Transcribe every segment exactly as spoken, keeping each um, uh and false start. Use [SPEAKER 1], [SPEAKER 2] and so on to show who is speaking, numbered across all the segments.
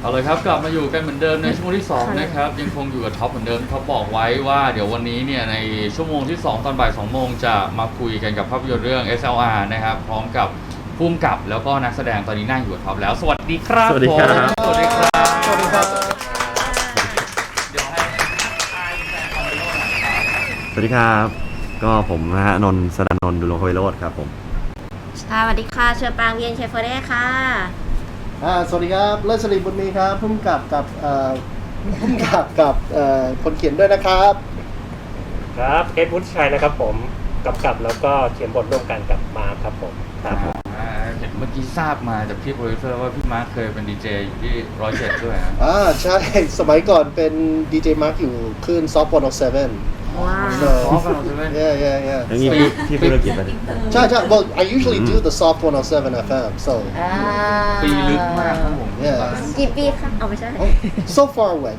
[SPEAKER 1] เอาเลยครับกลับมาอยู่กันเหมือนเดิมในชั่วโมงที่สองนะครับยังคงอยู่กับท็อปเหมือนเดิมเขาบอกไว้ว่าเดี๋ยววันนี้เนี่ยในชั่วโมงที่สองตอนบ่ายสองโมงจะมาคุยกันกับภาพยนตร์เรื่อง เอส แอล อาร์ นะครับพร้อมกับผู้กำกับแล้วก็นักแสดงตอนนี้นั่งอยู่กับท็อปแล้วสวัสดีครับ
[SPEAKER 2] สวัสดีครับ
[SPEAKER 1] สวัสดีครับ
[SPEAKER 3] สวัสดีครับ
[SPEAKER 1] เดี๋ยวให้ทายแฟนคอนเสิร์ตหน่อยครับ
[SPEAKER 2] สวัสดีครับก็ผมนะฮะนนท์สดานนท์ดุลงควิโรจน์ครับผม
[SPEAKER 4] สวัสดีค่ะเชอปรางเวียนเชฟเฟอร์เร่ค่ะ
[SPEAKER 3] อ่าสวัสดีครับเลิศศรีบุญมีครับพุ่มกับกับเอ่อพุ่มกับกับเอ่อคนเขียนด้วยนะครับ
[SPEAKER 5] ครับเอ็ดวุฒิชัยนะครับผมกำกับแล้วก็เขียนบทร่วมกันกับมาร์คครับผมครับ
[SPEAKER 1] อ่าเห็นเมื่อกี้ทราบมาจากพี่โปรดิวเซอร์ว่าพี่มาร์คเคยเป็นดีเจอยู่ที่ร้อยเจ็ดด้วยนะ
[SPEAKER 3] อ่าใช่สมัยก่อนเป็นดีเจมาร์กอยู่คลื่นซอฟต์บอลเซเว่น
[SPEAKER 4] ว้าว
[SPEAKER 3] so
[SPEAKER 1] อ๋อฟังเราใช่ไหม
[SPEAKER 3] yeah yeah yeah
[SPEAKER 2] แล้วนี่พี่พี่ธุรกิจอะไร
[SPEAKER 3] ใช่ใช่ well I usually do the soft one oh seven เอฟ เอ็ม so
[SPEAKER 4] อ่า
[SPEAKER 1] ปีลึกมากครับผม
[SPEAKER 3] Yeah
[SPEAKER 4] กี่ปีคะเอาไม่ใช่
[SPEAKER 3] oh, so far away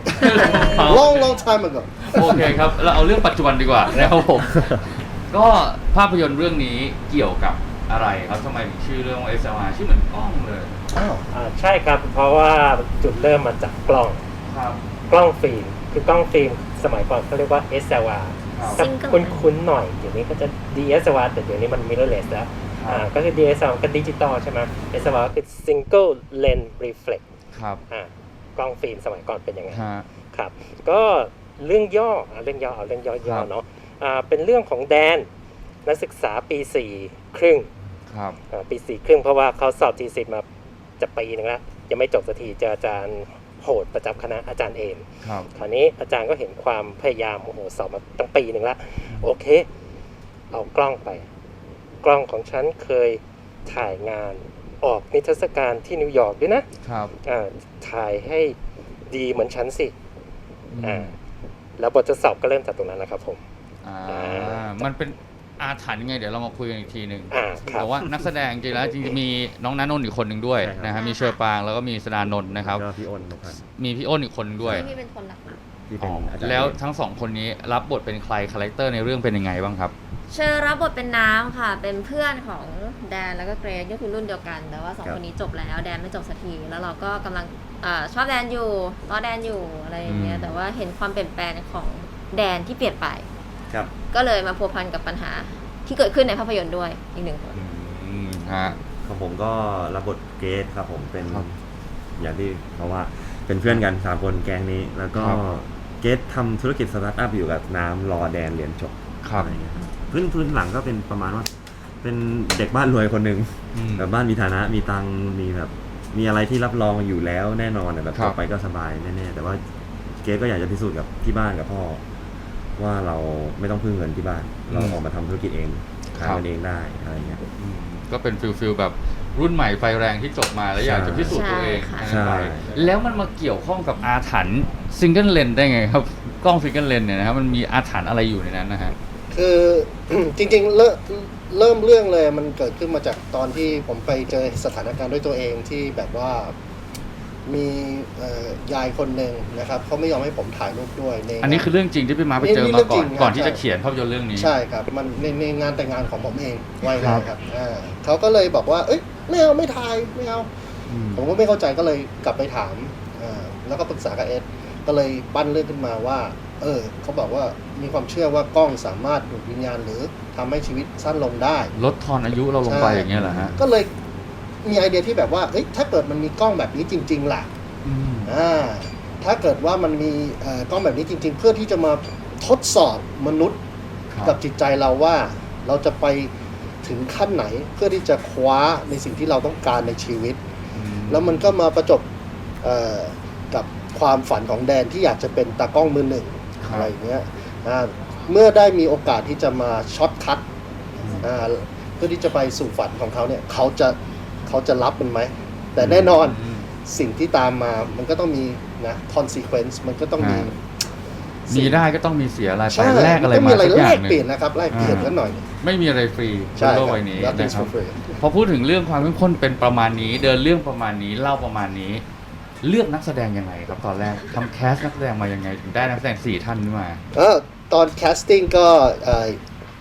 [SPEAKER 3] long long time ago
[SPEAKER 1] โอเคครับเราเอาเรื่องปัจจุบันดีกว่านะครับผม ก็ภาพยนตร์เรื่องนี้เกี่ยวกับอะไรครับทำไมถึงชื่อเรื่องว่า เอส แอล อาร์ ชื่อเหมือนกล้องเลย
[SPEAKER 3] อ้าว
[SPEAKER 5] อ่าใช่ครับเพราะว่าจุดเริ่มมาจากกล้อง
[SPEAKER 1] ครับ
[SPEAKER 5] กล้องฟิล์มคือกล้องฟิล์มสมัยก่อนเขาเรียกว่า เอส แอล อาร์
[SPEAKER 1] ครับ
[SPEAKER 5] ถ้าคุ้นๆหน่อยเดี๋ยวนี้ก็จะ ดี เอส แอล อาร์ แต่เดี๋ยวนี้มัน mirrorless แล้ว
[SPEAKER 1] ครับ
[SPEAKER 5] อ่าก็คือ ดี เอส แอล อาร์ ก็ดิจิตอลใช่ไหม เอส แอล อาร์ คือ single lens reflex
[SPEAKER 1] ครับ
[SPEAKER 5] อ่ากล้องฟิล์มสมัยก่อนเป็นยังไง
[SPEAKER 1] ฮะ
[SPEAKER 5] ครับก็เรื่องย่ออ่ะเรื่องย่อเอาเรื่องย่
[SPEAKER 1] ครั
[SPEAKER 5] อบ ๆเนาะอ่าเป็นเรื่องของแดนนักศึกษาปีสี่ครึ่ง
[SPEAKER 1] ครับ
[SPEAKER 5] อ่าปีสี่ครึ่งเพราะว่าเขาสอบทีสิทธิ์มาจะปีหนึงแล้วยังไม่จบสักทีเจออาจารย์โหดประจำคณะอาจารย์เอม
[SPEAKER 1] ครับ
[SPEAKER 5] คราวนี้อาจารย์ก็เห็นความพยายามโอ้โหสอบมาตั้งปีหนึ่งแล้วโอเค เอากล้องไป กล้องของฉันเคยถ่ายงานออกนิทรรศการที่นิวยอร์กด้วยนะครับ อ่าถ่ายให้ดีเหมือนฉันสิ อ่า แล้วบททดสอบก็เริ่มจากตรงนั้นแหละครับผม
[SPEAKER 1] อ่า
[SPEAKER 5] อ่า
[SPEAKER 1] มันเป็นอาถรรพ์ยังไงเดี๋ยวเรามาคุยกันอีกทีหนึ่ง
[SPEAKER 5] อ่าครับ
[SPEAKER 1] แต่ว่านักแสดงจริงๆแล้วจริงๆมีน้องณนนท์อีกคนหนึ่งด้วย
[SPEAKER 2] ใช่ครับ
[SPEAKER 1] นะฮะมีเชอร์ปางแล้วก็มีสดานนท์นะครับ
[SPEAKER 2] แล้วก็พี่อ้นนพันธ์
[SPEAKER 1] มีพี่อ้นอีกคนหนึ่งด้วย
[SPEAKER 4] ที่เป็นคนหลัก
[SPEAKER 2] ที่เป็นอาจารย์
[SPEAKER 1] แล้วทั้งสองคนนี้รับบทเป็นใครคาแรคเตอร์ในเรื่องเป็นยังไงบ้างครับ
[SPEAKER 4] เชอรับบทเป็นน้ำค่ะ เป็นเพื่อนของแดนแล้วก็เกรซก็คือรุ่นเดียวกัน แต่ว่าสองคนนี้จบแล้วแดนไม่จบสักทีแล้วเราก็กำลังเออชอบแดนอยู่รอแดนอยู่อะไรอย่างเงี้ย
[SPEAKER 1] อืม
[SPEAKER 4] แต่ว่าเห็นความเปลี่ยนแปลงของแดนที่เปลี่ยนไป
[SPEAKER 2] ครับ
[SPEAKER 4] ก็เลยมาพัวพันกับปัญหาที่เกิดขึ้นในภาพยนตร์ด้วยอีกหนึ่งคน
[SPEAKER 1] อืมฮะ
[SPEAKER 2] ของผมก็รับบทเกสครับผมเป็น
[SPEAKER 1] ครับ
[SPEAKER 2] อย่างที่เขาว่าเป็นเพื่อนกันสามคนแก๊งนี้ แล้วก็
[SPEAKER 1] ครับ
[SPEAKER 2] เกสทำธุรกิจสตาร์ทอัพอยู่กับน้ำรอแดนเรียนจบ
[SPEAKER 1] ครับ
[SPEAKER 2] อะไรเงี้ยครับพื้นพื้นหลังก็เป็นประมาณว่า เป็นเด็กบ้านรวยคนหนึ่ง
[SPEAKER 1] อืม
[SPEAKER 2] แบบบ้านมีฐานะมีตังค์มีแบบมีอะไรที่รับรองอยู่แล้วแน่นอนอะแบบ
[SPEAKER 1] ครับ
[SPEAKER 2] ต่อไปก็สบายแน่ๆแต่ว่าเกสก็อยากจะพิสูจน์กับที่บ้านกับพ่อ ว่าเราไม่ต้องพึ่งเงินที่บ้าน เราออกมาทำธุรกิจเองหาเงินเองได้อะไรเงี้ย
[SPEAKER 1] อืมก็เป็นฟิลฟิลแบบรุ่นใหม่ไฟแรงที่จบมาแล้วอยากจะพิสูจน์ตัวเอง
[SPEAKER 4] ใช่ค่ะ
[SPEAKER 1] นั่นไป
[SPEAKER 2] ใช่
[SPEAKER 1] แล้วมันมาเกี่ยวข้องกับอาถรรพ์ซิงเกิลเลนได้ไงครับกล้องซิงเกิลเลนเนี่ยนะครับมันมีอาถรรพ์อะไรอยู่ในนั้นนะฮะ
[SPEAKER 3] คือ จริงๆเริ่มเริ่มเรื่องเลยมันเกิดขึ้นมาจากตอนที่ผมไปเจอสถานการณ์ด้วยตัวเองที่แบบว่ามีเอ่อยายคนหนึ่งนะครับเขาไม่ยอมให้ผมถ่ายรูปด้วยใน
[SPEAKER 1] อันนี้คือเรื่องจริงที่พี่มาไปเจอ
[SPEAKER 3] นี่
[SPEAKER 1] มา
[SPEAKER 3] เรื่อง
[SPEAKER 1] ก่
[SPEAKER 3] จริ
[SPEAKER 1] อน
[SPEAKER 3] ง
[SPEAKER 1] ก่อนที่
[SPEAKER 3] ใช่
[SPEAKER 1] จะเขียนภาพยนตร์เรื่องนี้
[SPEAKER 3] ใช่ครับมันในในงานแต่งงานของผมเองไว้
[SPEAKER 1] ครั
[SPEAKER 3] เล
[SPEAKER 1] บ
[SPEAKER 3] ยครับอ่าเขาก็เลยบอกว่าเอ้ยไม่เอาไม่ถ่ายไม่เอา
[SPEAKER 1] อืม
[SPEAKER 3] ผมก็ไม่เข้าใจก็เลยกลับไปถามอ่าแล้วก็ปรึกษากับเอสก็เลยปั้นเรื่องขึ้นมาว่า เออเขาบอกว่ามีความเชื่อว่ากล้องสามารถดูดวิญญาณหรือทำให้ชีวิตสั้นลงได้
[SPEAKER 1] ลดทอนอายุเราลงไป
[SPEAKER 3] ใช่
[SPEAKER 1] อย่างเงี้ยเหรอฮะ
[SPEAKER 3] ก็เลยมีไอเดียที่แบบว่าเอ้ยถ้าเกิดมันมีกล้องแบบนี้จริงๆล่ะ
[SPEAKER 1] อืม
[SPEAKER 3] อ่าถ้าเกิดว่ามันมีเอ่อกล้องแบบนี้จริง ๆ เพื่อที่จะมาทดสอบมนุษย์
[SPEAKER 1] ครับ
[SPEAKER 3] กับจิตใจเราว่าเราจะไปถึงขั้นไหนเพื่อที่จะคว้าในสิ่งที่เราต้องการในชีวิต
[SPEAKER 1] อืม
[SPEAKER 3] แล้วมันก็มาประจบเอ่อกับความฝันของแดนที่อยากจะเป็นตากล้องมือหนึ่ง
[SPEAKER 1] ครับ
[SPEAKER 3] อะไรอย่างเงี้ยอ่าเมื่อได้มีโอกาสที่จะมาช็อตคัทอ่าเพื่อที่จะไปสู่ฝันของเขาเนี่ยเขาจะเขาจะรับมันไหมแต่แน่นอน
[SPEAKER 1] อืม
[SPEAKER 3] สิ่งที่ตามมามันก็ต้องมีนะ consequence มันก็ต้องมี
[SPEAKER 1] ฮะ มีได้ก็ต้องมีเสียอะไรไป
[SPEAKER 3] ใช่
[SPEAKER 1] แลกอะไร
[SPEAKER 3] นต้ง
[SPEAKER 1] มา
[SPEAKER 3] มีอะไร
[SPEAKER 1] สักอ
[SPEAKER 3] แล
[SPEAKER 1] ย่าง
[SPEAKER 3] ก
[SPEAKER 1] หนึ่
[SPEAKER 3] เปลี่ยน
[SPEAKER 1] ง
[SPEAKER 3] นะครับแลกเปลี่ยน
[SPEAKER 1] อ่า
[SPEAKER 3] กันหน่อย
[SPEAKER 1] ไม่มีอะไรฟรีบ
[SPEAKER 3] ใช่
[SPEAKER 1] นโลก
[SPEAKER 3] ครับ
[SPEAKER 1] ใบนี้
[SPEAKER 3] nothing's
[SPEAKER 1] นะครับ
[SPEAKER 3] for free
[SPEAKER 1] พอพูดถึงเรื่องความเข้มข้นเป็นประมาณนี้ เดินเรื่องประมาณนี้เล่าประมาณนี้ เลือกนักแสดงยังไงครับตอนแรกทำแคสนักแสดงมายังไงถึงได้นักแสดงสี่ท่านนี้มา
[SPEAKER 3] เออตอน casting ก็เอ่อ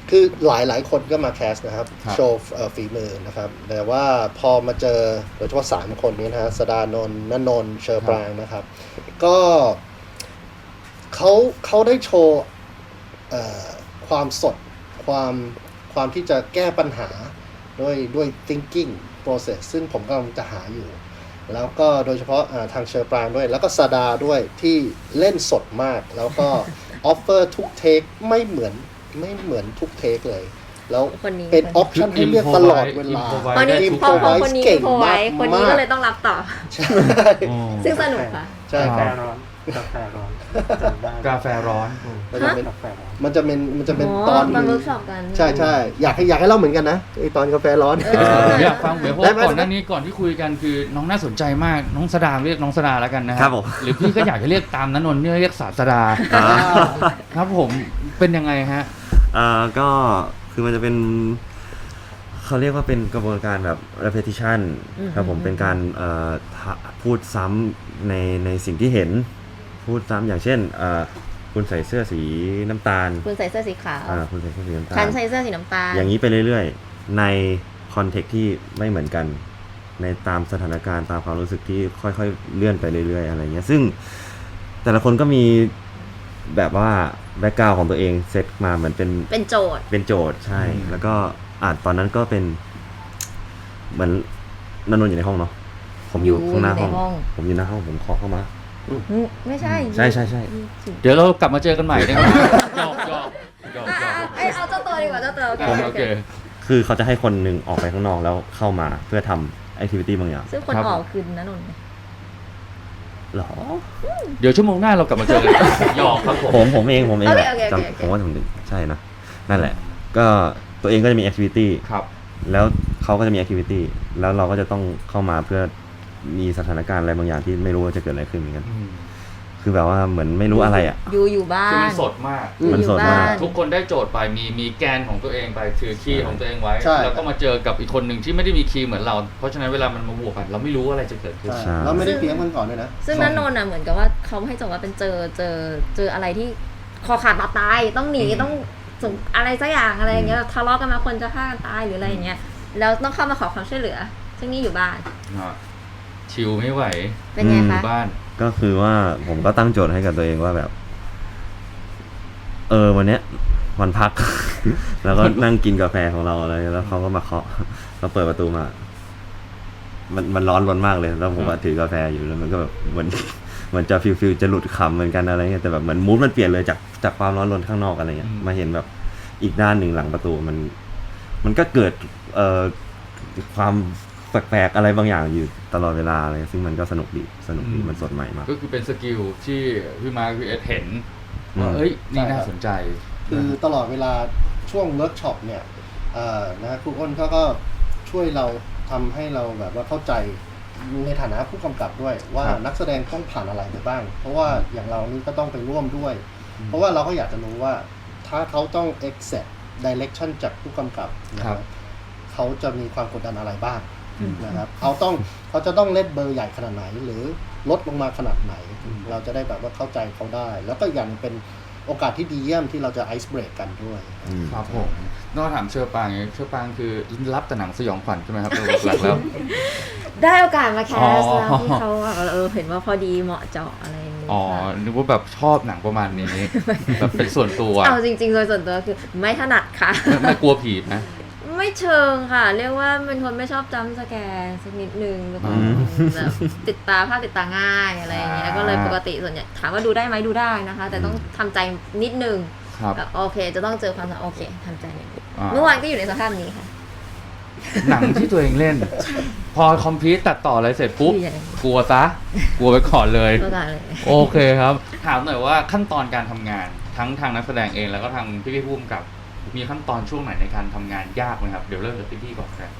[SPEAKER 3] คือหลายหลายคนก็มาแคสนะครับ
[SPEAKER 1] ครับ
[SPEAKER 3] โชว์เอ่อฝีมือนะครับ แต่ว่าพอมาเจอโดยเฉพาะสามคนนี้นะฮะสดานนท์ณนนท์เชอร์ปรางนะครับ ก็เขาเขาได้โชว์เอ่อความสดความความที่จะแก้ปัญหาด้วยด้วย thinking process ซึ่งผมกำลังจะหาอยู่ แล้วก็โดยเฉพาะอ่าทางเชอร์ปรางด้วย แล้วก็ซาดาด้วยที่เล่นสดมาก แล้วก็ ออฟเฟอร์ทุกเทคไม่เหมือนไม่เหมือนทุกเทคเลย แล้ว
[SPEAKER 4] คนนี้
[SPEAKER 3] เป็นออปชั่นให้เลือกตลอดเวลา
[SPEAKER 1] improvise
[SPEAKER 4] คนนี้
[SPEAKER 1] ได้ทุก
[SPEAKER 4] พอพอ
[SPEAKER 3] improvise
[SPEAKER 4] คนนี้
[SPEAKER 3] เก่ง
[SPEAKER 4] โพไว้
[SPEAKER 3] มาก
[SPEAKER 4] คนนี้
[SPEAKER 3] มาก
[SPEAKER 4] ก็เลยต้องรับต่อ
[SPEAKER 3] ใช่
[SPEAKER 1] อ๋อ
[SPEAKER 4] ซึ่งสนุกค่ะ
[SPEAKER 3] ใช่ค
[SPEAKER 6] กา
[SPEAKER 3] รับ
[SPEAKER 6] แฟร้อนกาแฟร้อนจำได้
[SPEAKER 1] กาแฟร้อน
[SPEAKER 3] มันจะเป็น
[SPEAKER 6] กาแฟร้อน
[SPEAKER 3] มันจะเป็นมันจะเป็น
[SPEAKER 4] อ๋อ
[SPEAKER 3] ตอน
[SPEAKER 4] ตอนเวิร์กช็อปกัน
[SPEAKER 3] ใช่ใช่อยากให้อยากให้เล่าเหมือนกันนะไอตอนกาแฟร้อน
[SPEAKER 4] เอ
[SPEAKER 1] เออ
[SPEAKER 4] อ
[SPEAKER 1] อยากฟังเหมือนเพราะ
[SPEAKER 3] ได้
[SPEAKER 1] ว่า
[SPEAKER 3] ไหม
[SPEAKER 1] ก่อนหน้านี้ก่อนที่คุยกันคือน้องน่าสนใจมากน้องสดาเรียกน้องสดาแล้วกันนะฮะ
[SPEAKER 2] ครับผม
[SPEAKER 1] หรือพี่ก็อยากจะเรียกตามนั้นนนท์เนี่ยเรียกศาสดา
[SPEAKER 2] อ่า
[SPEAKER 1] ครับผมเป็นยังไงฮะ
[SPEAKER 2] อ่าก็คือมันจะเป็นเขาเรียกว่าเป็นกระบวนการแบบ repetition
[SPEAKER 4] อืม
[SPEAKER 2] ครับผมเป็นการเอ่อทะพูดซ้ำในในสิ่งที่เห็น พูดซ้ำอย่างเช่นเอ่อคุณใส่เสื้อสีน้ำตาล
[SPEAKER 4] คุณใส่เสื้อสีขาว
[SPEAKER 2] อ่าคุณใส่เสื้อสีน้ำตา
[SPEAKER 4] คั
[SPEAKER 2] ล
[SPEAKER 4] นใส่เสื้อสีน้ำตาล
[SPEAKER 2] อย่างนี้ไปเรื่อยๆ ในคอนเทกต์ที่ไม่เหมือนกัน ในตามสถานการณ์ตามความรู้สึกที่ค่อยๆเลื่อนไปเรื่อยๆอะไรเงี้ยซึ่งแต่ละคนก็มีแบบว่าแบ็กกราวของตัวเองเซตมาเหมือนเป็น
[SPEAKER 4] เป็นโจทย์
[SPEAKER 2] เป็นโจทย์ใช่
[SPEAKER 1] อืม
[SPEAKER 2] แล้วก็อ่าตอนนั้นก็เป็น เหมือนนนท์อยู่ในห้องเนาะผมอยู่
[SPEAKER 4] อยู่
[SPEAKER 2] ข้างหน้าห้อง
[SPEAKER 4] ในห้อง
[SPEAKER 2] ผมอยู่หน้าห้องผมเคาะเข้ามา
[SPEAKER 4] อืมไม่ใช่
[SPEAKER 2] ใช่ใช่ใช่
[SPEAKER 1] เดี๋ยวเรากลับมาเจอกันใหม่ได้ไหมหยอกหยอกหยอก
[SPEAKER 4] อ่ะ
[SPEAKER 1] หยอ
[SPEAKER 4] อ่ะ
[SPEAKER 1] ก
[SPEAKER 4] เอ้ยเอาเจ้าตัวดีกว่าเจ้าตัวโอเค
[SPEAKER 1] อ่า
[SPEAKER 4] โอ
[SPEAKER 1] โอ
[SPEAKER 4] เค
[SPEAKER 1] เค
[SPEAKER 2] คือเขาจะให้คนหนึ่งออกไปข้างนอกแล้วเข้ามาเพื่อทำแอคทิวิตี้บางอย่าง
[SPEAKER 4] ซึ่งคน
[SPEAKER 1] ครับ
[SPEAKER 4] ออกคือนะนนท์
[SPEAKER 2] หรอ
[SPEAKER 1] เดี๋ยวชั่วโมงหน้าเรากลับมาเจอกันหยอกครับผม
[SPEAKER 2] ผมผมเองผมเองแหละ
[SPEAKER 4] โอเคโอเคโอเค
[SPEAKER 2] จำผมว่าผมใช่นะนั่นแหละ ก็ตัวเองก็จะมีแอคทิวิตี้
[SPEAKER 1] ครับ
[SPEAKER 2] แล้วเขาก็จะมีแอคทิวิตี้แล้วเราก็จะต้องเข้ามาเพื่อมีสถานการณ์อะไรบางอย่างที่ไม่รู้ว่าจะเกิดอะไรขึ้นเหมือนกัน คือแบบว่าเหมือนไม่รู้อะไรอ่ะ
[SPEAKER 4] อยู่อยู่บ้า
[SPEAKER 1] คือมัน นสดมาก
[SPEAKER 2] มันสดมาก
[SPEAKER 4] อยู่บ้น
[SPEAKER 1] ทุกคนได้โจทย์ไปมีมีแกนของตัวเองไปถือคีย์ของตัวเองไว้
[SPEAKER 3] ใช่
[SPEAKER 1] แล้วก็มาเจอกับอีกคนหนึ่งที่ไม่ได้มีคีย์เหมือนเรา เพราะฉะนั้นเวลามันมาบวกกัน เราไม่รู้ว่าอะไรจะเกิดขึ้น
[SPEAKER 3] ใช่แล้วไม่ได้เตรียมกันก่อนด้วยนะ
[SPEAKER 4] ซึ่งนันนนท์อ่ะเหมือนกับว่าเขาให้โจทย์ว่าเป็นเจอเจอเจออะไรที่คอขาดบาดตายต้องหนี
[SPEAKER 1] อืม
[SPEAKER 4] ต้องส่งอะไรสักอย่างอะไรอย่างเงี้ยทะเลาะกันมาคนจะฆ่ากันตายหรืออะไรอย่างเงี้ยแล้วต้องเข้ามาขอความช่วยเหลือ ซึ่งนี่อยู่บ้าน
[SPEAKER 1] อ่ะชิลไม่ไหว
[SPEAKER 4] เป็นไง
[SPEAKER 1] อ
[SPEAKER 4] คะ
[SPEAKER 1] ยู่บ้าน
[SPEAKER 2] ก็คือว่าผมก็ตั้งโจทย์ให้กับตัวเองว่าแบบ เออวันเนี้ยวันพัก แล้วก็นั่งกินกาแฟของเราอะไรแล้วเขาก็มาเคาะเราเปิดประตูมา มันมันร้อนรนมากเลย แล้วผมก็ถือกาแฟอยู่แล้วมันก็แบบเหมือน เหมือนจะฟิลฟิลจะหลุดคำเหมือนกันอะไรเงี้ยแต่แบบเหมือนมูดมันเปลี่ยนเลยจากจากความร้อนรนข้างนอกอะไรเงี้ย
[SPEAKER 1] อืม
[SPEAKER 2] มาเห็นแบบอีกด้านหนึ่งหลังประตูมัน มันก็เกิดเอ่อความแปลกๆอะไรบางอย่างอยู่ตลอดเวลาอะไรซึ่งมันก็สนุกดีสนุกดีมันสดใหม่มาก
[SPEAKER 1] ก็คือเป็นสกิลที่พี่มาร์คพี่เอสเห็น
[SPEAKER 2] อืม
[SPEAKER 1] ว่าเอ้ยนี่
[SPEAKER 3] ใช่ครับ
[SPEAKER 1] น่าสนใจ
[SPEAKER 3] คือตลอดเวลาช่วงเวิร์กช็อปเนี่ยเอ่อนะครูอ้นเขาก็ช่วยเราทำให้เราแบบว่าเข้าใจในฐานะผู้กำกับด้วย ว่า
[SPEAKER 1] ครับ
[SPEAKER 3] นักแสดงต้องผ่านอะไรไปบ้าง เพราะว่าอย่างเรานี่ก็ต้องไปร่วมด้วย
[SPEAKER 1] อืม
[SPEAKER 3] เพราะว่าเราก็อยากจะรู้ว่าถ้าเขาต้อง accept direction จากผู้กำกับนะค
[SPEAKER 1] ครั
[SPEAKER 3] รับบ เขาจะมีความกดดันอะไรบ้าง
[SPEAKER 1] อืม
[SPEAKER 3] นะครับเขาต้องเขาจะต้องเล่นเบอร์ใหญ่ขนาดไหน หรือลดลงมาขนาดไหน
[SPEAKER 1] อืม
[SPEAKER 3] เราจะได้แบบว่าเข้าใจเขาได้ แล้วก็อย่างเป็นโอกาสที่ดีเยี่ยมที่เราจะไอซ์เบรกกันด้วย
[SPEAKER 2] อืม
[SPEAKER 1] ครับผมนอกถามเชอร์ปางไงเชอร์ปางคือรับแต่หนังสยองขวัญใช่ไหมครับโดยหลักๆแล้ว
[SPEAKER 4] ได้โอกาสมาแคส
[SPEAKER 1] อ๋อ
[SPEAKER 4] แล้วที่เขาแบบเออเห็นว่าพอดีเหมาะเจาะอะไรอย่างเงี้ย
[SPEAKER 1] อ๋อ
[SPEAKER 4] ค่ะ
[SPEAKER 1] นึกว่าแบบชอบหนังประมาณนี้ แบบเป็นส่วนตัว
[SPEAKER 4] เอาจริงๆโดยส่วนตัวคือไม่ถนัดค่ะ
[SPEAKER 1] ไม่ไม่กลัวผีนะ
[SPEAKER 4] ไม่เชิงค่ะ เรียกว่าเป็นคนไม่ชอบจำสแกร์สักนิดนึงแล้วก็
[SPEAKER 1] อืม
[SPEAKER 4] แบบติดตาภาพติดตาง่ายอะไรอย่างเงี้ย
[SPEAKER 1] อ่า
[SPEAKER 4] ก็เลยปกติส่วนใหญ่ถามว่าดูได้ไหมดูได้นะคะ แต่ต้องทำใจนิดนึง
[SPEAKER 1] ครับ
[SPEAKER 4] แบบโอเค จะต้องเจอความสำโอเคทำใจนิดนึง
[SPEAKER 1] อ่า
[SPEAKER 4] เมื่อวานก็อยู่ในสภาพนี้ค่ะ
[SPEAKER 1] หนังที่ตัวเองเล่น พอคอมพิวตัดต่ออะไรเสร็จปุ๊บ
[SPEAKER 4] ใหญ่
[SPEAKER 1] กลัวซะ กลัวไปก่อนเลย
[SPEAKER 4] ก็ได้เลย
[SPEAKER 1] โอเคครับ ถามหน่อยว่าขั้นตอนการทำงาน ทั้งทางนักแสดงเองแล้วก็ทางพี่พี่ผู้กำกับ มีขั้นตอนช่วงไหนในการทำงานยากไหมครับ เดี๋ยวเริ่มจากพี่พี่ก่อนครับ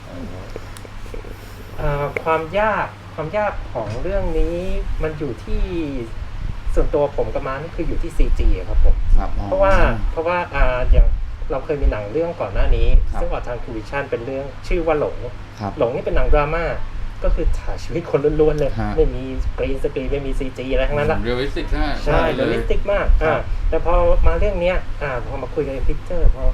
[SPEAKER 5] เอ่อความยากความยากของเรื่องนี้มันอยู่ที่ส่วนตัวผมกับมานี่คืออยู่ที่ ซี จี ครับผม
[SPEAKER 1] ครับอ๋อ
[SPEAKER 5] เพราะว่าเพราะว่าอ่าอย่างเราเคยมีหนังเรื่องก่อนหน้านี้
[SPEAKER 1] ครับ
[SPEAKER 5] ซึ่งออกทางคูวิชั่นเป็นเรื่องชื่อว่าหลง
[SPEAKER 1] ครับ
[SPEAKER 5] หลงนี่เป็นหนังดราม่าก็คือถ่ายชีวิตคนล้วนๆเลย
[SPEAKER 1] ฮะ
[SPEAKER 5] ไม่มีกรีนสกรีนไม่มี ซี จี อะไรทั้งนั้นละ
[SPEAKER 1] เรียลลิสติกนะ
[SPEAKER 5] ใช่
[SPEAKER 1] เล
[SPEAKER 5] เรียล
[SPEAKER 1] ย
[SPEAKER 5] ลิสติกมาก
[SPEAKER 1] ครั
[SPEAKER 5] อ่า
[SPEAKER 1] บ
[SPEAKER 5] แต่พอมาเรื่องเนี้ยอ่าพอมาคุยกันในพิกเจอร์พอ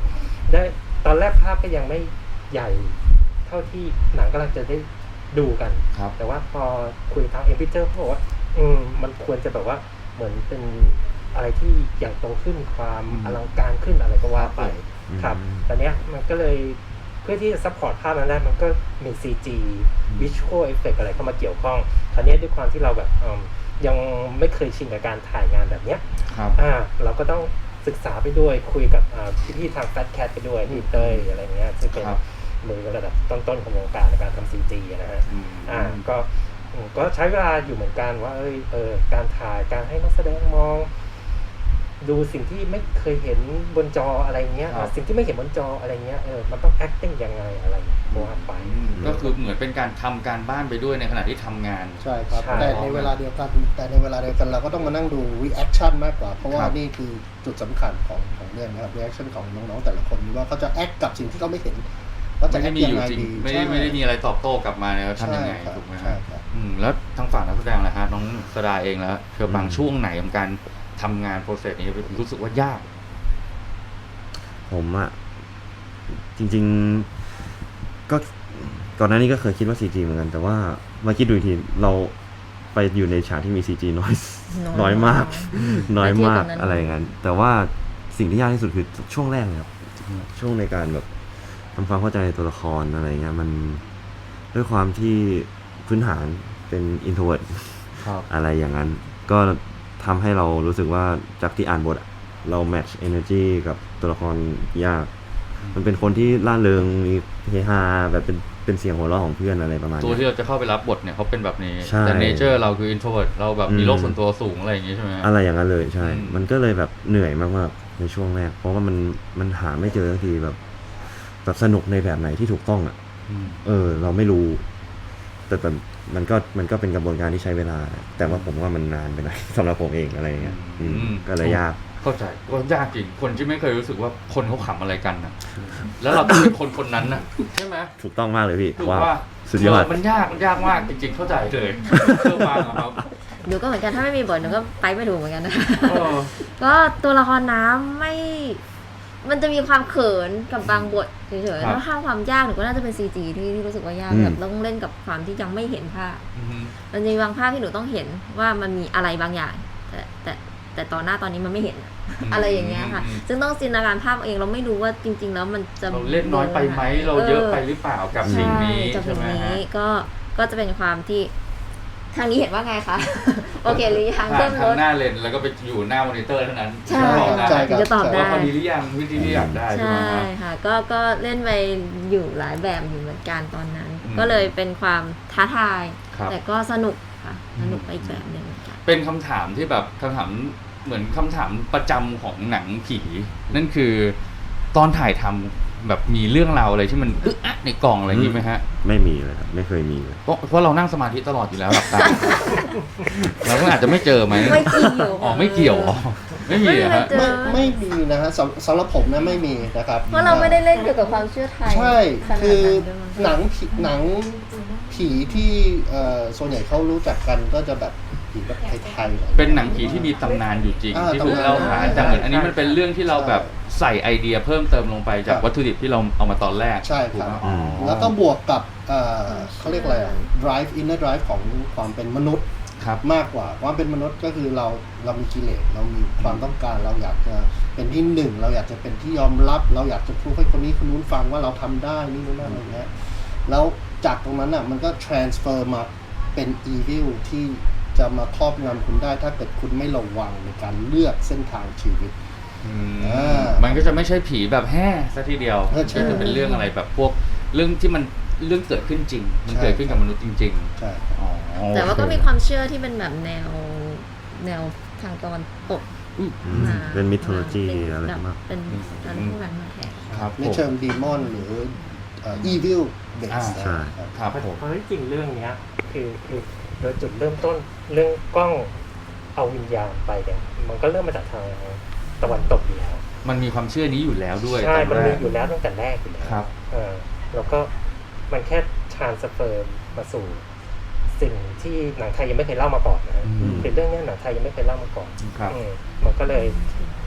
[SPEAKER 5] ได้ตอนแรกภาพก็ยังไม่ใหญ่เท่าที่หนังกำลังจะได้ดูกัน
[SPEAKER 1] ครับ
[SPEAKER 5] แต่ว่าพอคุยทางเอ็มพิเจอร์เขาบอกว่าอืมมันควรจะแบบว่าเหมือนเป็นอะไรที่ใหญ่โตขึ้นความ
[SPEAKER 1] อืม
[SPEAKER 5] อลังการขึ้นอะไรก็ว่าไป
[SPEAKER 2] อืม
[SPEAKER 5] ครับแต่เนี้ยมันก็เลยเพื่อที่จะซัพพอร์ตภาพนั้นได้มันก็มี ซี จี Visual Effect อะไรเข้ามาเกี่ยวข้องคราวนี้ด้วยความที่เราแบบอืมยังไม่เคยชินกับการถ่ายงานแบบเนี้ย
[SPEAKER 1] ครับ
[SPEAKER 5] อ่าเราก็ต้องศึกษาไปด้วยคุยกับอ่าพี่ๆทาง Fat Cat ไปด้วยพี่เต้ยอะไรเงี้ยซึ่งเป็น
[SPEAKER 1] ครับ
[SPEAKER 5] มือระดับต้นๆของวงการในการทำ ซี จี นะฮะ
[SPEAKER 1] อืม
[SPEAKER 5] อ่าก็อืมก็ใช้เวลาอยู่เหมือนกันว่าเอยเออการถ่ายการให้นักแสดงมอง ดูสิ่งที่ไม่เคยเห็นบนจออะไรเงี้ย
[SPEAKER 1] ครับ
[SPEAKER 5] สิ่งที่ไม่เห็นบนจออะไรเงี้ยเออมันต้อง acting ยังไงอะไรว่าไป
[SPEAKER 1] อืมก็คือเหมือนเป็นการทำการบ้านไปด้วยในขณะที่ทำงาน
[SPEAKER 3] ใช่ครับ
[SPEAKER 5] ใช่
[SPEAKER 3] แต่ในเวลาเดียวกันแต่ในเวลาเดียวกันเราก็ต้องมานั่งดู reaction มากกว่า เพราะว่า
[SPEAKER 1] ครับ
[SPEAKER 3] นี่คือจุดสำคัญของของเรื่องนะครับ reaction ของน้องๆแต่ละคนว่าเขาจะ act กับสิ่งที่เขาไม่เห็นว่าจะ
[SPEAKER 1] ไม่ได้
[SPEAKER 3] act
[SPEAKER 1] มี
[SPEAKER 3] ยั
[SPEAKER 1] อง ยู่
[SPEAKER 3] ไง
[SPEAKER 1] จริง
[SPEAKER 3] ดี
[SPEAKER 1] ไม่ได้
[SPEAKER 3] ใช่
[SPEAKER 1] ไม่ได้มีอะไรตอบโต้กลับมาแล้วทำยังไง
[SPEAKER 3] ใช่ครับ
[SPEAKER 1] ถูกไหม
[SPEAKER 3] ใช่
[SPEAKER 1] ฮะ
[SPEAKER 3] ครับ
[SPEAKER 1] อืมแล้วทางฝั่งนักแสดงล่ะฮะน้องสดาเองแล้วเธอบางช่วงไหนของการทำงานโปรเซสนี้รู้สึกว่ายาก
[SPEAKER 2] ผมอะจริงๆก็ก่อนหน้านี้ก็เคยคิดว่า ซี จี เหมือนกัน แต่ว่ามาคิดดูอีกทีเราไปอยู่ในฉากที่มี ซี จี น้อย น้อยมาก น้อยมาก
[SPEAKER 4] แต่ที่ตรงนั้น
[SPEAKER 2] อะไรอย่างนั้น แต่ว่าสิ่งที่ยากที่สุดคือช่วงแรกเลยครับช่วงในการแบบทำความเข้าใจในตัวละครอะไรเงี้ยมันด้วยความที่พื้นฐานเป็น introvert
[SPEAKER 1] ครับ
[SPEAKER 2] อะไรอย่างนั้น ก็ทำให้เรารู้สึกว่าจากที่อ่านบทอะเรา match energy กับตัวละครยาก มันเป็นคนที่ล่าเริงมีเฮฮาแบบเป็นเป็นเสียงหัวเราะของเพื่อนอะไรประมาณ
[SPEAKER 1] ตัว
[SPEAKER 2] เนี้
[SPEAKER 1] ที่
[SPEAKER 2] ย
[SPEAKER 1] เราจะเข้าไปรับบทเนี่ยเขาเป็นแบบนี้
[SPEAKER 2] ใช่
[SPEAKER 1] แต่เนเจอร์เราคือ introvert เราแบบมี
[SPEAKER 2] อืม
[SPEAKER 1] โลกส่วนตัวสูงอะไรอย่างงี้ใช่ไหมฮะ
[SPEAKER 2] อะไรอย่างนั้นเลยใช่
[SPEAKER 1] อืม
[SPEAKER 2] มันก็เลยแบบเหนื่อยมากๆในช่วงแรก เพราะว่ามันมันหาไม่เจอสักทีแบบแบบสนุกในแบบไหนที่ถูกต้องอ่ะ
[SPEAKER 1] อืม
[SPEAKER 2] เออ เราไม่รู้ แต่แบบมันก็มันก็เป็นกระบวนการที่ใช้เวลา แต่ว่าผมว่ามันนานไปหน่อย สำหรับผมเองอะไรอย่างเงี้ยอืม
[SPEAKER 1] อืม
[SPEAKER 2] ก็เลยยาก
[SPEAKER 1] เข้าใจก็ยากจริงคนที่ไม่เคยรู้สึกว่าคนเขาขำอะไรกันนะแล้วเราต้องเป็นคนคนนั้นนะใช่ไหม
[SPEAKER 2] ถูกต้องมากเลยพี่
[SPEAKER 1] ถูก
[SPEAKER 2] ว้าว
[SPEAKER 1] ว่า
[SPEAKER 2] สุดยอด
[SPEAKER 1] มันยากมันยากมากจริงๆเข้าใจเลยเชื่อฟังอะครับ
[SPEAKER 4] หนูก็เหมือนกันถ้าไม่มีบทหนูก็ไปไม่ถูกเหมือนกันนะ
[SPEAKER 1] เออ
[SPEAKER 4] ก็ตัวละครน้ำไม่ มันจะมีความเขินกับบางบทเฉย
[SPEAKER 1] ครั
[SPEAKER 4] ๆ
[SPEAKER 1] บ
[SPEAKER 4] แล้วข้ามความยากหนูก็น่าจะเป็น ซี จี ที่ที่รู้สึกว่ายาก
[SPEAKER 2] อืม
[SPEAKER 4] แบบต้องเล่นกับความที่ยังไม่เห็นภาพ
[SPEAKER 1] อือฮึ
[SPEAKER 4] มันจะมีบางภาพที่หนูต้องเห็นว่ามันมีอะไรบางอย่าง แต่แต่แต่ตอนหน้าตอนนี้มันไม่เห็นอะอะไรอย่างเงี้ยค่ะ ซึ่งต้องจินตนาการภาพเองเราไม่รู้ว่าจริง ๆ แล้วมันจะ
[SPEAKER 1] เราเล่นน้อยไปไหมเราเยอะไปหรือเปล่ากับสิ่งนี้
[SPEAKER 4] ใช่กับ
[SPEAKER 1] ใช่
[SPEAKER 4] สิ่ง
[SPEAKER 1] ไหม
[SPEAKER 4] นี้
[SPEAKER 1] ฮะ
[SPEAKER 4] ก็ก็จะเป็นความที่ทางนี้เห็นว่าไงคะ โอเคหรือยัง
[SPEAKER 1] ผ่า
[SPEAKER 4] เพิ่
[SPEAKER 1] น
[SPEAKER 4] ม
[SPEAKER 1] ทา
[SPEAKER 4] ล
[SPEAKER 1] ง
[SPEAKER 4] ด
[SPEAKER 1] หน้าเลนส์แล้วก็ไปอยู่หน้ามอนิเตอร์เท่านั้น
[SPEAKER 4] ใช่
[SPEAKER 1] บอกได้
[SPEAKER 3] ใช่ครับ
[SPEAKER 4] จะตอบได้
[SPEAKER 1] ว่าพอดีหรือยังวิธีที่อยากได้ใช่ไหม
[SPEAKER 4] ใช่
[SPEAKER 1] ฮะ
[SPEAKER 4] ค่ะก็ก็เล่นไปอยู่หลายแบบอยู่เหมือนกันตอนนั้น
[SPEAKER 1] อืม
[SPEAKER 4] ก็เลยเป็นความท้าทาย
[SPEAKER 1] ครับ
[SPEAKER 4] แต่ก็สนุกค่ะ
[SPEAKER 1] อืม
[SPEAKER 4] สนุกไปอีกแบบหนึ่งเหมือนกัน
[SPEAKER 1] เป็นคำถามที่แบบคำถามเหมือนคำถามประจำของหนังผี นั่นคือตอนถ่ายทำแบบมีเรื่องราวอะไรที่มันอึ๊ะอะในกล่องอะไรอย่างนี้ไหมฮะ
[SPEAKER 2] ไม่มีเลยครับไม่เคยมีเลย
[SPEAKER 1] เพราะเพราะเรานั่งสมาธิตลอดอยู่แล้วหลับตา เราก็อาจจะไม่เจอไหม
[SPEAKER 4] ไม่เกี่ยว
[SPEAKER 1] อ๋อไม่เกี่ยวอ๋อไม่มีเหรอฮะ
[SPEAKER 4] เจอ
[SPEAKER 3] ไม่ไม่มีนะฮะสำสำหรับผมนะไม่มีนะครับ
[SPEAKER 4] เพราะเราไม่ได้เล่นเกี่ยวกับความเชื่อไทย
[SPEAKER 3] ใช่
[SPEAKER 4] ขนาด
[SPEAKER 3] คือ
[SPEAKER 4] นั้นด้วยมั้ง
[SPEAKER 3] หนังผีหนังผีที่เอ่อส่วนใหญ่เขารู้จักกันก็จะแบบผีแบบไทยๆ
[SPEAKER 1] เป็นหนังผีที่มีตำนานอยู่จริง
[SPEAKER 3] อ่า
[SPEAKER 1] ที่ถูกเล่าขาน
[SPEAKER 3] ตำนาน
[SPEAKER 1] แต่เหมือนอันนี้มันเป็นเรื่องที่เราแบบใส่ไอเดียเพิ่มเติมลงไปจาก
[SPEAKER 3] ครับ
[SPEAKER 1] วัตถุดิบที่เราเอามาตอนแรก
[SPEAKER 3] ใช่
[SPEAKER 1] ถูก
[SPEAKER 3] ครับ
[SPEAKER 1] ไหมอ๋อ
[SPEAKER 3] แล้วก็บวกกับเอ่อเขาเรียกอะไรอ่ะ drive inner drive ของความเป็นมนุษย์
[SPEAKER 1] ครับ
[SPEAKER 3] มากกว่าความเป็นมนุษย์ก็คือเราเรามีกิเลสเรามีความต้องการเราอยากจะเป็นที่หนึ่งเราอยากจะเป็นที่ยอมรับ เราอยากจะพูดให้คนนี้คนนู้นฟังว่าเราทำได้นี่นู่นนั่นอะไรเงี้ยแล้วจากตรงนั้นอ่ะมันก็ transfer มาเป็น evil ที่จะมาครอบงำคุณได้ถ้าเกิดคุณไม่ระวังในการเลือกเส้นทางชีวิต
[SPEAKER 1] อืม
[SPEAKER 3] อ่า
[SPEAKER 1] มันก็จะไม่ใช่ผีแบบแห่ซะทีเดียว
[SPEAKER 3] เออใช่
[SPEAKER 1] ก็จะเป็นเรื่องอะไรแบบพวกเรื่องที่มันเรื่องเกิดขึ้นจริง มัน
[SPEAKER 3] ใช่
[SPEAKER 1] เกิดขึ้นกับมนุษย์จริง
[SPEAKER 3] ใช่
[SPEAKER 1] ๆอ๋อ
[SPEAKER 4] แต่ว่าก็มีความเชื่อที่เป็นแบบแนวแนวทางตะวันตก
[SPEAKER 2] อืม
[SPEAKER 4] มา
[SPEAKER 2] เป็นมิทโลจี
[SPEAKER 4] เป็น
[SPEAKER 2] อะไร
[SPEAKER 4] แบบ
[SPEAKER 2] มาก
[SPEAKER 4] เป็นการพูดแบบมาแทน
[SPEAKER 1] ครับ
[SPEAKER 3] ใน
[SPEAKER 1] ผม
[SPEAKER 3] เชิงดีมอนหรือเอ่อ evil base
[SPEAKER 1] อ่า
[SPEAKER 2] ใช่
[SPEAKER 3] นะครับ
[SPEAKER 1] ครับผม
[SPEAKER 5] เพราะที่จริงเรื่องเนี้ยคือคือโดยจุดเริ่มต้นเรื่องกล้องเอาวิญญาณไปเนี่ยมันก็เริ่มมาจากทางตะวันตกอยู่แล้ว
[SPEAKER 1] มันมีความเชื่อนี้อยู่แล้วด้วย
[SPEAKER 5] ใช่
[SPEAKER 1] ต
[SPEAKER 5] มัน
[SPEAKER 1] แร
[SPEAKER 5] มี
[SPEAKER 1] ก
[SPEAKER 5] อยู่แล้วตั้งแต่แรกอยู่แล้ว
[SPEAKER 1] ครับ
[SPEAKER 5] เออแล้วก็มันแค่ทรานสเฟอร์มาสู่สิ่งที่หนังไทยยังไม่เคยเล่ามาก่อนนะฮะ
[SPEAKER 1] อืม
[SPEAKER 5] คือเรื่องเนี้ยหนังไทยยังไม่เคยเล่ามาก่อน
[SPEAKER 1] ครับ
[SPEAKER 5] อืมมันก็เลย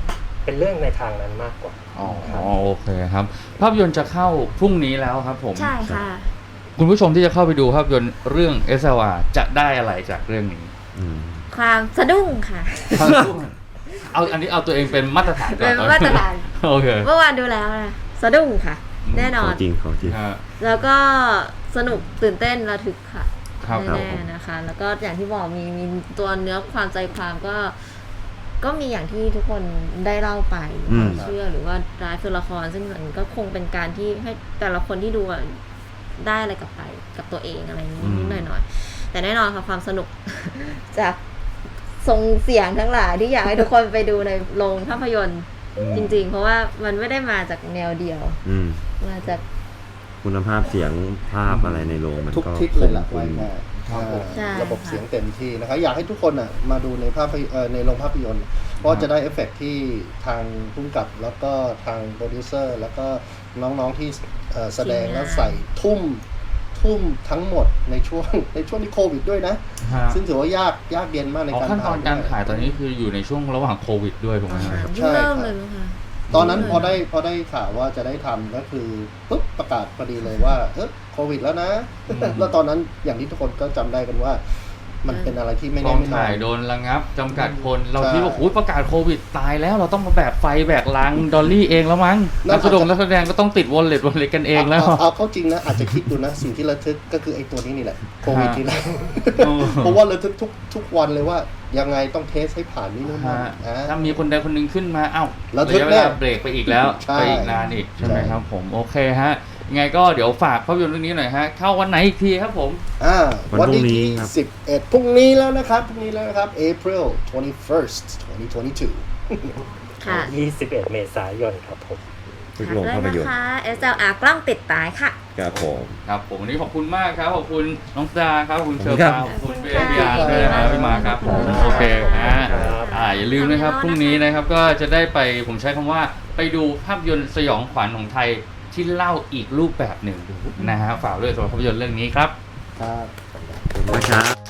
[SPEAKER 5] เป็นเรื่องในทางนั้นมากกว่า
[SPEAKER 1] อ๋อโอเคครับภาพยนตร์จะเข้าพรุ่งนี้แล้วครับผม
[SPEAKER 4] ใช่ค่ะ
[SPEAKER 1] คุณผู้ชมที่จะเข้าไปดูภาพยนตร์เรื่อง เอส แอล อาร์ จะได้อะไรจากเรื่องนี้
[SPEAKER 2] อืม
[SPEAKER 4] ความสะดุ้งค่ะ
[SPEAKER 1] เอาอันนี้เอาตัวเองเป็นมาตรฐานก่อน
[SPEAKER 4] เป็นมาตรฐาน
[SPEAKER 1] โอเค
[SPEAKER 4] เมื่อวานดูแล้วนะสะดุ้งค่ะ แน่น
[SPEAKER 2] ข
[SPEAKER 4] อ
[SPEAKER 2] อน งจริงของจริง
[SPEAKER 1] ฮะ
[SPEAKER 4] แล้วก็สนุกตื่นเต้นระทึกค่ะ
[SPEAKER 1] ครับ
[SPEAKER 4] แน่ๆนะคะ แล้วก็อย่างที่บอกมีมีตัวเนื้อความใจความก็ ก็มีอย่างที่ทุกคนได้เล่าไป
[SPEAKER 2] อืม
[SPEAKER 4] ความเชื่อหรือว่าร้ายคือละคร ซึ่งมันก็คงเป็นการที่ให้แต่ละคนที่ดูอะได้อะไรกลับไปกับตัวเองอะไรนิดนิดหน่อยหน่อยๆแต่แน่นอนค่ะความสนุก จากทรงเสียงทั้งหลายที่อยากให้ทุกคนไปดูในโรงภาพยนตร์
[SPEAKER 1] อืม
[SPEAKER 4] จริง ๆ เพราะว่ามันไม่ได้มาจากแนวเดียว
[SPEAKER 2] อืม
[SPEAKER 4] มาจาก
[SPEAKER 2] คุณภาพเสียงภาพอะไรในโรงมัน
[SPEAKER 3] ทุก
[SPEAKER 2] ก็
[SPEAKER 3] ทิศเลยล่ะ
[SPEAKER 2] คง
[SPEAKER 3] ว่าง่าย
[SPEAKER 1] ครับผม
[SPEAKER 4] ใช่
[SPEAKER 3] ระบบ
[SPEAKER 4] ค่ะ
[SPEAKER 3] เสียงเต็มที่นะครับอยากให้ทุกคนอ่ะมาดูในภาพยเอ่อในโรงภาพยนตร์เพราะจะได้เอฟเฟกต์ที่ทางผู้กำกับแล้วก็ทางโปรดิวเซอร์แล้วก็น้องๆที่เอ่อแสดงแล้วใส่ทุ่มทุ่มทั้งหมดในช่วง ในช่วงที่โควิดด้วยนะ
[SPEAKER 1] ฮะ
[SPEAKER 3] ซึ่งถือว่ายากยากเย็นมากใน
[SPEAKER 1] อ๋อ
[SPEAKER 3] การ
[SPEAKER 1] ขั้นตอนการถ่าย
[SPEAKER 3] ด้ว
[SPEAKER 1] ตอนนี้คืออยู่ในช่วงระหว่างโควิดด้วยถูกไหมครับ
[SPEAKER 4] เพิ่งเริ่มเลยมั้งคะ
[SPEAKER 3] ตอนนั้นพอได้พอได้ข่าวว่าจะได้ทำก็คือปุ๊บประกาศพอดีเลยว่าเออโควิดแล้วนะ
[SPEAKER 1] อืม
[SPEAKER 3] แล้วตอนนั้นอย่างที่ทุกคนก็จำได้กันว่า มันเป็นอะไรที่ไม่
[SPEAKER 1] ก
[SPEAKER 3] แน่
[SPEAKER 1] อง
[SPEAKER 3] ไม่นอ
[SPEAKER 1] ถ่าย
[SPEAKER 3] น
[SPEAKER 1] โดนระงับจำกัดคนเรา
[SPEAKER 3] ใช่
[SPEAKER 1] คิดว่าโอ้ยประกาศโควิดตายแล้วเราต้องมาแบกไฟแบกลังดอลลี่เองแล้วมั้ง
[SPEAKER 3] นั่
[SPEAKER 1] นั
[SPEAKER 3] น
[SPEAKER 1] กแสดงนักแสดงก็ต้องติดวอลเล็ตวอลเล็ตกันเองแล้ว
[SPEAKER 3] าเอาเข้าจริงนะอาจจะคิดดูนะ สิ่งที่ระทึกก็คือไอ้ตัวนี้นี่แหละโควิดนี่แหละ
[SPEAKER 1] อ๋อ
[SPEAKER 3] เพราะว่าระทึกทุกทุกวันเลยว่ายังไงต้องเทสให้ผ่านนี่นู่นนั่น
[SPEAKER 1] ฮะ
[SPEAKER 3] อ่า
[SPEAKER 1] ถ้ามีคนใดคนหนึ่งขึ้นมาเอ้า
[SPEAKER 3] ระทึก
[SPEAKER 1] ยะเว
[SPEAKER 3] แน่
[SPEAKER 1] ลาเบรกไปอีกแล้ว
[SPEAKER 3] ใช่
[SPEAKER 1] ไปอีกนานอีกใช่ไหม
[SPEAKER 3] ใช่
[SPEAKER 1] ครับผมโอเคฮะยังไงก็เดี๋ยวฝากภาพยนตร์เรื่องนี้หน่อยฮะเข้าวันไหนอีกทีครับผม
[SPEAKER 3] อ่า
[SPEAKER 2] วัน
[SPEAKER 3] วัน
[SPEAKER 2] พรุ่งนี้
[SPEAKER 3] ที่
[SPEAKER 2] ครับ
[SPEAKER 3] สิบเอ็ดพรุ่งนี้แล้วนะครับพรุ่งนี้แล้วนะครับ April twenty-first twenty twenty-two
[SPEAKER 4] ค่ะ
[SPEAKER 5] ยี่สิบเอ็ด เมษายนครับผม
[SPEAKER 2] ทุก
[SPEAKER 4] ฝาก
[SPEAKER 2] โรง
[SPEAKER 4] ด้วย
[SPEAKER 2] ภาพย
[SPEAKER 4] นะ
[SPEAKER 2] นตร์
[SPEAKER 4] คะ เอส แอล อาร์ กล้องติดตายค่ะ
[SPEAKER 2] ครับผม
[SPEAKER 1] ครับผมวันนี้ขอบคุณมากครับขอบคุณน้องดาครับขอบคุณเชอร์
[SPEAKER 2] ครั
[SPEAKER 1] ปา
[SPEAKER 2] บ
[SPEAKER 1] ขอบคุณเบ
[SPEAKER 4] ขอบคุณ
[SPEAKER 1] บีอาร์
[SPEAKER 4] ค่ะ
[SPEAKER 1] ด้วยนะครับพี่มาครับผม
[SPEAKER 4] ขอบคุณค่ะ
[SPEAKER 1] โอเคฮะ
[SPEAKER 5] ครับ
[SPEAKER 1] อ่าอย่าลืมนะครับพรุ่งนี้นะครับก็จะได้ไปผมใช้คำว่าไปดูภาพยนตร์สยองขวัญของไทยที่เล่าอีกรูปแบบหนึ่งนะฮะฝากด้วยสำหรับภาพยนตร์เรื่องนี้ครับ
[SPEAKER 3] ครับ
[SPEAKER 2] ขอบคุณนะครับ